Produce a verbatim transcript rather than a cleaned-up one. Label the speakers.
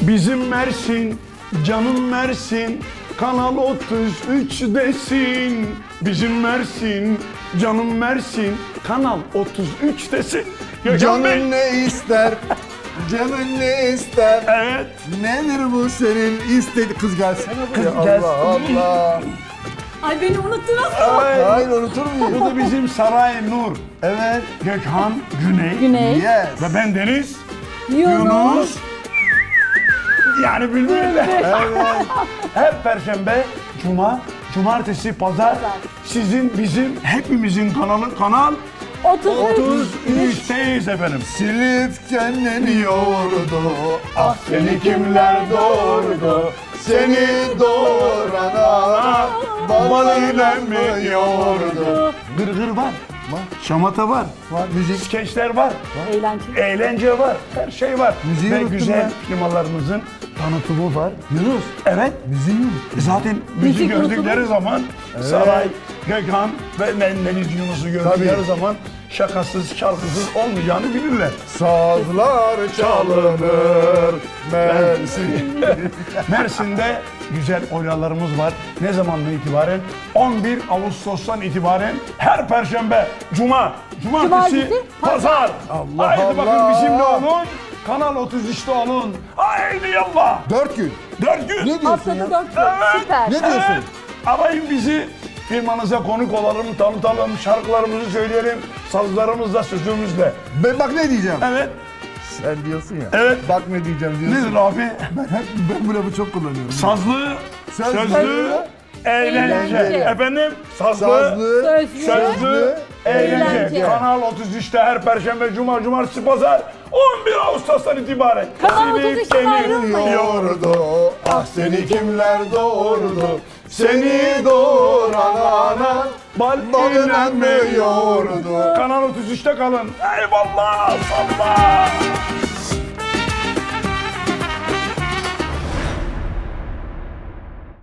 Speaker 1: Bizim Mersin, canım Mersin, Kanal otuz üç'desin. Bizim Mersin, canım Mersin, Kanal otuz üç'desin. Gökhan Bey.
Speaker 2: Canın ne ister? Canın ne ister?
Speaker 1: Evet.
Speaker 2: Nedir bu senin istedi? Kız gelsene buraya.
Speaker 1: Kız gelsin.
Speaker 2: Allah Allah.
Speaker 3: Ay beni unuttunuz.
Speaker 1: Evet.
Speaker 2: Hayır unutur muyum?
Speaker 1: Bu da bizim Saray Nur.
Speaker 2: Evet.
Speaker 1: Gökhan Güney.
Speaker 3: Güney.
Speaker 2: Yes.
Speaker 1: Ve ben Deniz.
Speaker 3: Yunus.
Speaker 1: Yani Bülbül.
Speaker 2: Evet.
Speaker 1: Her perşembe, cuma, cumartesi, pazar sizin, bizim, hepimizin kanalı Kanal
Speaker 3: otuz üç.
Speaker 1: üç'teyiz efendim.
Speaker 2: Silifke'nin yoğurdu.
Speaker 1: Ah seni kimler doğurdu?
Speaker 2: Seni doğuran ana balıyla mı yoğurdu?
Speaker 1: Gırgır var,
Speaker 2: Var.
Speaker 1: şamata var,
Speaker 2: Var müzik.
Speaker 1: skeçler var,
Speaker 3: Eğlence.
Speaker 1: eğlence var, her şey var.
Speaker 2: Müziği
Speaker 1: Ve
Speaker 2: unuttum
Speaker 1: güzel
Speaker 2: ben.
Speaker 1: firmalarımızın tanıtımı var.
Speaker 2: Yunus.
Speaker 1: Evet,
Speaker 2: Müziği unuttum.
Speaker 1: zaten bizi
Speaker 3: Müzik
Speaker 1: gördükleri
Speaker 3: unutulur.
Speaker 1: zaman Saray, Gökhan ve Deniz Yunus'u gördükleri
Speaker 2: Tabii.
Speaker 1: zaman şakasız, şarkısız olmayacağını bilirler.
Speaker 2: Sazlar çalınır Mersin.
Speaker 1: Mersin'de güzel oylalarımız var. Ne zamandan itibaren? on bir Ağustos'tan itibaren her perşembe, cuma, cumartesi,
Speaker 3: Cumartesi,
Speaker 1: pazar.
Speaker 2: Allah
Speaker 1: Haydi
Speaker 2: Allah.
Speaker 1: bakın bizimle olun. Kanal otuz üç'te olun. Haydi yallah.
Speaker 2: Dört gün.
Speaker 1: Dört gün.
Speaker 2: Ne diyorsun
Speaker 3: Haftada
Speaker 2: ya?
Speaker 3: dört gün.
Speaker 1: Evet.
Speaker 3: Süper.
Speaker 2: Ne diyorsun?
Speaker 1: Evet. Arayın bizi. Firmanıza konuk olalım, tanıtalım, şarkılarımızı söyleyelim. Sazlarımızla, sözümüzle.
Speaker 2: Ben bak ne diyeceğim.
Speaker 1: Evet.
Speaker 2: Sen diyorsun ya.
Speaker 1: Evet.
Speaker 2: Bak ne diyeceğim diyorsun.
Speaker 1: Nedir abi?
Speaker 2: Ben, hep, ben bu lafı çok kullanıyorum.
Speaker 1: Sazlı,
Speaker 2: Sözlü,
Speaker 1: sözlü, eğlence.
Speaker 3: eğlence.
Speaker 1: Efendim, sazlı,
Speaker 2: Sazlı,
Speaker 3: Sözlü.
Speaker 1: sözlü, eğlence.
Speaker 3: eğlence.
Speaker 1: Kanal otuz üç'te her perşembe, cuma, cumartesi, pazar on bir Ağustos'tan itibaren.
Speaker 3: Kanal
Speaker 1: Silip
Speaker 3: otuz üç'ten
Speaker 1: seni
Speaker 3: ayrılmayın.
Speaker 2: yoğurdu. Ah seni kimler doğurdu? Seni doğuran ana balıyla mı yoğurdu?
Speaker 1: Kanal otuz üç'te kalın. Eyvallah, salla.